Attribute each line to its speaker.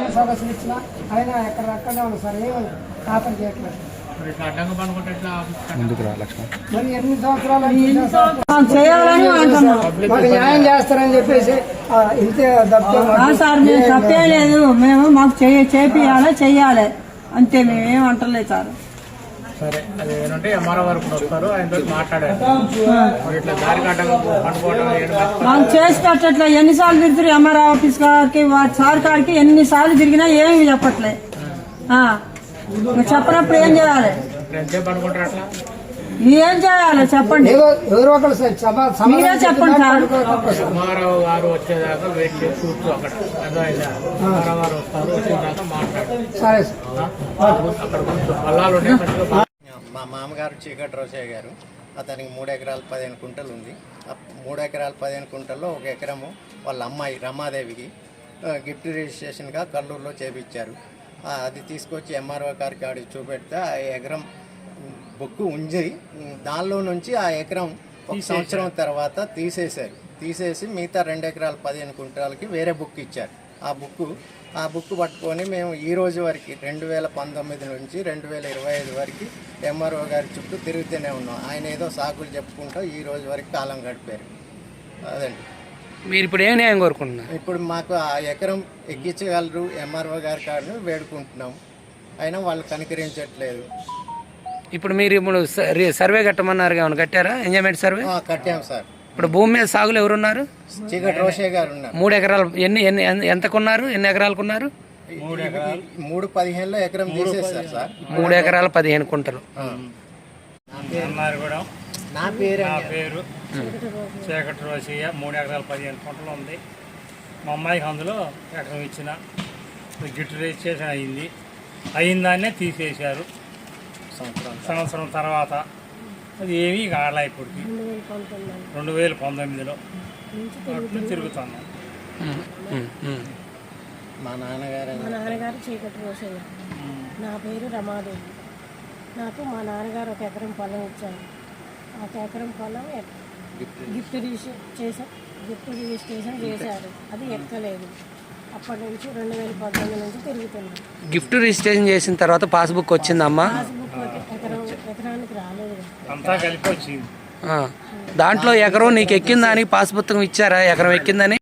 Speaker 1: సదస్సులు ఇచ్చినా అయినా ఎక్కడెక్కడే ఉంది సార్, ఏమి ఖాతరు చేయట్లేదు. మరి ఎన్ని సంవత్సరాలు చేయాలని మాకు న్యాయం చేస్తారని చెప్పేసి ఇంతే
Speaker 2: సార్. మేము తప్పేలేదు, మేము మాకు చేపియాలి చెయ్యాలి అంతే, మేమేం అంటలేదు సార్.
Speaker 3: సరే అది ఏంటంటే ఎంఆర్ఓ వరకు వస్తారు, ఆయనతో మాట్లాడారు. ఇట్లా దారి
Speaker 2: మాకు చేసి పెట్టట్లే. ఎన్నిసార్లు తిరుగుతారు ఎంఆర్ఓ ఆఫీస్ కాడికి, సార్ కాడికి ఎన్నిసార్లు తిరిగినా ఏమి చెప్పట్లే. చెప్పినప్పుడు ఏం చేయాలి, ఏం చేయాలి చెప్పండి,
Speaker 1: ఎవరో ఒకరు
Speaker 2: మీరే చెప్పండి సార్.
Speaker 3: ఎంఆర్ఓ గారు వచ్చేదాకా వెయిట్ చేసి కూర్చో అక్కడ. ఎంఆర్ఓ గారు వస్తారు, వచ్చేదాకా మాట్లాడారు.
Speaker 1: సరే
Speaker 3: అక్కడ కూర్చో పొలాలు ఉంటాయి.
Speaker 4: మా మామగారు చీకటి రోసయ్య గారు, అతనికి 3 ఎకరాలు 15 కుంటలు ఉంది. 3 ఎకరాలు 15 కుంటల్లో 1 ఎకరము వాళ్ళ అమ్మాయి రమాదేవికి గిఫ్ట్ రిజిస్ట్రేషన్గా కల్లూరులో చేపించారు. అది తీసుకొచ్చి ఎంఆర్ఓ గారికి ఆడికి చూపెడితే ఆ ఎకరం బుక్ ఉంచి దానిలో నుంచి ఆ ఎకరం 1 సంవత్సరం తర్వాత తీసేసి మిగతా 2 ఎకరాలు 15 కుంటాలకి వేరే బుక్ ఇచ్చారు. ఆ బుక్ పట్టుకొని మేము ఈ రోజు వరకు 2019 నుంచి 2025 వరకు ఎంఆర్ఓ గారి చుట్టూ తిరుగుతూనే ఉన్నాం. ఆయన ఏదో సాకులు చెప్పుకుంటూ ఈ రోజు వరకు కాలం గడిపారు. అదండి.
Speaker 5: మీరు ఇప్పుడు ఏం న్యాయం కోరుకుంటున్నారు?
Speaker 4: ఇప్పుడు మాకు ఆ ఎకరం ఎక్కించగలరు ఎంఆర్ఓ గారి కాడను వేడుకుంటున్నాం, అయినా వాళ్ళు కనికరించట్లేదు.
Speaker 5: ఇప్పుడు మీరు సర్వే కట్టమన్నారు, ఏమైనా కట్టారా? ఎంజాయ్మెంట్ సర్వే
Speaker 4: కట్టాం సార్.
Speaker 5: ఇప్పుడు భూమి మీద సాగులు ఎవరున్నారు?
Speaker 4: చీకటి రోషయ్య గారు ఉన్నారు.
Speaker 5: 3 ఎకరాలు ఎంతకున్నారు? ఎన్ని ఎకరాలకున్నారు?
Speaker 4: 3.15లో ఎకరం తీసేస్తారు సార్.
Speaker 5: 3 ఎకరాలు 15 కుంటలు.
Speaker 4: నా పేరు
Speaker 3: చీకటి రోషయ్య. 3 ఎకరాలు 15 కుంటలు ఉంది. మా అమ్మాయికి అందులో ఎకరం ఇచ్చిన గిఫ్ట్ రిజిస్ట్రేషన్ అయిన దాన్నే తీసేశారు సంవత్సరం తర్వాత. అది ఏమీ కాలే. ఇప్పటికి 2019లో తిరుగుతున్నాం.
Speaker 4: మా నాన్నగారు
Speaker 6: చీకటి రోషయ్య, నా పేరు రమాదేవి. నాకు మా నాన్నగారు 1 ఎకరం పొలం ఇచ్చారు. ఆ 1 ఎకరం పొలం గిఫ్ట్ రిజిస్ట్రేషన్ చేశారు, అది ఎక్కలేదు. అప్పటి నుంచి 2019 నుంచి తిరుగుతున్నాం.
Speaker 5: గిఫ్ట్ రిజిస్ట్రేషన్ చేసిన తర్వాత పాస్బుక్ వచ్చిందమ్మా?
Speaker 6: పాస్బుక్ ఎకరానికి రాలేదు,
Speaker 3: అంతా కలిపి వచ్చింది.
Speaker 5: దాంట్లో ఎకరం నీకు ఎక్కిందని పాస్ పుస్తకం ఇచ్చారా? ఎకరం ఎక్కిందని